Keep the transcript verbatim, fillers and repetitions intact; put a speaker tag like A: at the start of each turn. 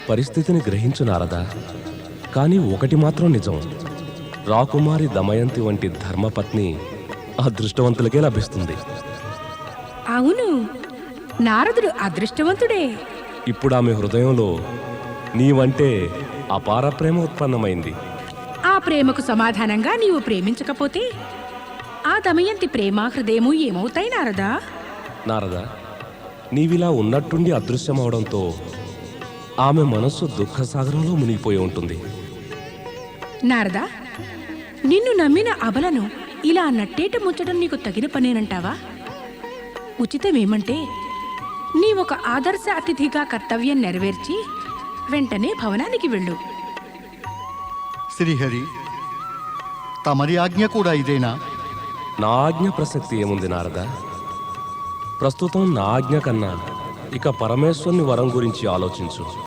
A: పరిస్థితిని గ్రహించు నారదా. కానీ ఒకటి మాత్రం నిజం, రాకుమారి దమయంతి వంటి ధర్మపత్ని అదృష్టవంతులకే లభిస్తుంది.
B: అవును, నారదుడు అదృష్టవంతుడే.
A: ఇప్పుడు ఆమె హృదయంలో నీవంటే అపార ప్రేమ ఉత్పన్నమైంది.
B: ఆ ప్రేమకు సమాధానంగా నీవు ప్రేమించకపోతే ఆ దమయంతి ప్రేమ హృదయము ఏమవుతాయి నారదా?
A: నారదా, నీవిలా ఉన్నట్టుండి అదృశ్యమవడంతో ఆమె మనస్సు దుఃఖసాగరంలో మునిగిపోయి ఉంటుంది.
B: నారదా, నిన్ను నమ్మిన అబలను ఇలా నట్టేట ముంచడం నీకు తగిన పనేనంటావా? ఉచితమేమంటే నీ ఒక ఆదర్శ అతిథిగా కర్తవ్యం నెరవేర్చి వెంటనే భవనానికి వెళ్ళు.
C: శ్రీహరి, తమరి ఆజ్ఞ కూడా ఇదేనా?
A: నా ఆజ్ఞ ప్రసక్తి ఏముంది నారదా? ప్రస్తుతం నా ఆజ్ఞ కన్నా ఇక పరమేశ్వరుని వరం గురించి ఆలోచించు.